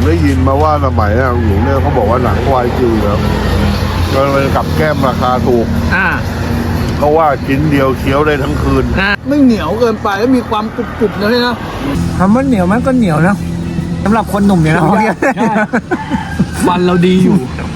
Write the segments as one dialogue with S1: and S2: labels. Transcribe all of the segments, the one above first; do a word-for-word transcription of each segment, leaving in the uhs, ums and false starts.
S1: ได้ยินมาว่าสมัยน่ะหลวงเนี่ยเขาบอกว่าหนังควายจิ๋วแล้วก็เลยกับแก้มราคาถูก
S2: อ่า
S1: เขาว่าชิ้นเดียวเคี้ยวได้ทั้งคืน
S2: อ่า
S3: ไม่เหนียวเกินไปแล้วมีความกรุบๆนะพี่นะ
S2: คำว่าเหนียวมันก็เหนียวนะสำหรับคนหนุ่มเนี่ยนะ
S3: ใช่ฟันเราดีอยู่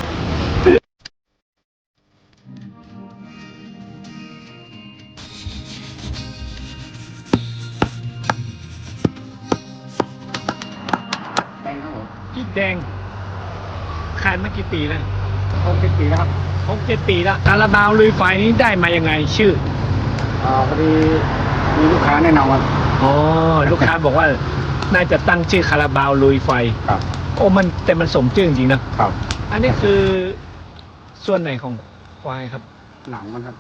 S2: พี่แดงขายมากี่ปีแล้ว
S3: หกเจ็ดปีแล้วครับ
S2: หกเจ็ดปีแล้วคาราบาวลุยไฟนี้ได้มายังไงชื่อ
S3: อ่าพอดีมีลูกค้าแนะนำว่า
S2: อ๋อลูกค้าบอกว่าน่าจะตั้งชื่อคาราบาวลุยไฟ
S3: ครับ
S2: โอ้มันแต่มันสมชื่อจริงๆนะครับ อันนี้คือส่วนไหนของควายครับ
S3: หนังมันครับ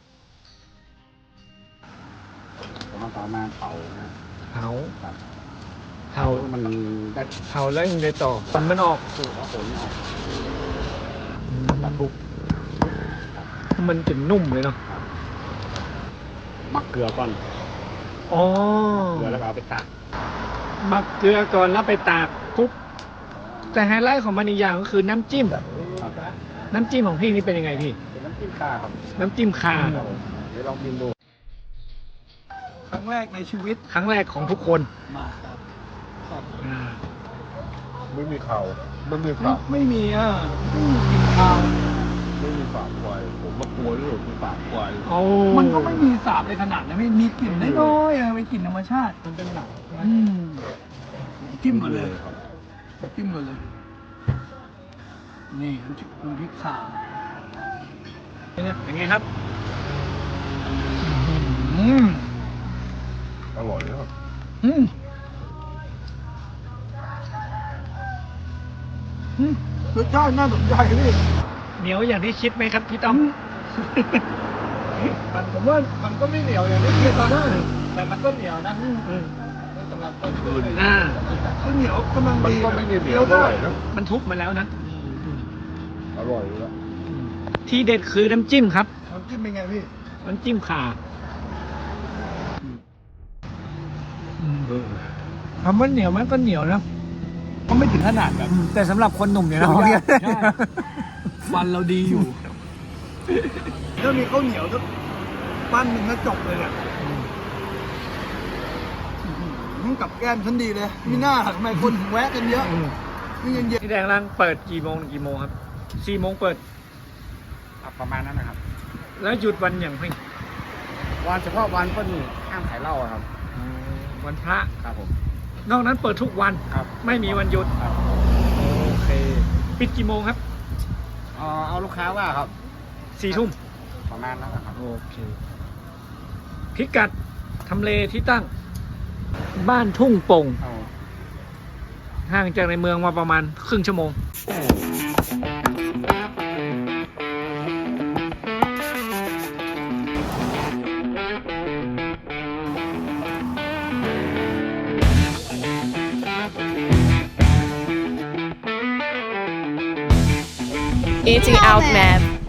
S3: ผมเอาต่อมาเผานะ
S2: เผา
S3: ครับ
S2: เผา
S3: มันได้
S2: เผาแล้วยังไงต่อมันมันออก
S3: สูตรแล้วผลออก
S2: อืม
S3: ตัดทุก
S2: มันจะนุ่มเลยเนาะ
S3: มักเกลือก่อน
S2: อ๋อ
S3: เกลือแล้วก็เอาไปตาก
S2: หมักเกลือก่อนแล้วไปตากปุ๊บแต่ไฮไลท์ของมันอีกอย่างก็คือน้ำจิ้ม
S3: ครับ
S2: น้ำจิ้มของพี่นี่เป็นยังไงพี่
S3: เป็นน้ำจิ้มคาครับ
S2: น้ำจิ้มคา
S3: ครับผมเดี๋ยวลองกินดูครั้งแรกในชีวิต
S2: ครั้งแรกของทุกคน
S3: มาครับ
S2: อ่า
S1: ไม่มีเขาไม่มี
S3: ไม่
S1: ฝา
S3: ไม่มีอ่ะไม่มีกลิ่นข้าว
S1: ไม่มีฝาควายผมมากลัวเรื่องมีฝาควาย
S2: โอ้
S3: มันก็ไม่มีสาบในขนาดนะไม่มีกลิ่นน้อยๆอ่ะเป็นกลิ่นธรรมชาติ
S2: มันเป็นหนัง
S3: อืมจิ้มก่อนเลยจิ้มก่อนเลย นี่น้ำจิ้มน้ำพริกข่า
S2: เนี่ยเป็นไงครับ
S3: อืม
S1: อร่อยนะครับ
S3: อืมอืมรสชาติน่าสนใจพี่
S2: เหนียวอย่างที่คิดไหมครับพี่ต้อม
S3: มันผมว่ามันก็ไม่เหนียวอย่างที่คิดตอนนั้นแต่มันก็เหนียวนะ
S2: อืม
S3: สำหรับต้นคืน
S2: อ่า
S3: ก็เหนียวกำลัง
S1: มัน
S3: ดี
S1: ก็ไม่ได้เหนียวเท่าไหร่นะ
S2: มันทุบมาแล้วนะ
S1: อร่อยอยู่แล้ว
S2: ที่เด็ดคือน้ำจิ้มครับ
S3: น้ำจิ้มเป็นไงพี่
S2: น้ำจิ้มข่าคำว่าเหนียวมันก็เหนียวนะ
S3: ก็ไม่ถึงขนาดแบบ
S2: แต่สำหรับคนหนุ่มเนี่ยนะ
S3: ใช่ฟันเราดีอยู่ถ้ามีข้าวเหนียวสักปั้นหนึ่งก็จบเลยเนี่ยอื้อหือกับแก้มฉันดีเลยมีหน้าทำไมคนถึงแวะกันเยอะนี่เย็น
S2: ที่แดงร้านเปิดกี่โมงถึงกี่โมงครับสี่โมงเปิด
S3: ๆประมาณนั้นนะครับ
S2: แล้วหยุดวันอย่างพี่
S3: วันเฉพาะวันก็นี่ห้ามขายเหล้าอะครับ
S2: วันพระ
S3: ครับผม
S2: นอกนั้นเปิดทุกวัน
S3: ครับ
S2: ไม่มีวันหยุด
S3: ครับ
S2: โอเค ปิดกี่โมงครับ
S3: เอาเอาลูกค้าว่าครับ
S2: สี่ทุ่ม
S3: ประมาณนั้นนะครับ
S2: โอเค พิกัดทำเลที่ตั้ง บ้านทุ่งโป่ง
S3: เอา
S2: ห่างจากในเมืองมาประมาณครึ่งชั่วโมง
S4: Eating out, man.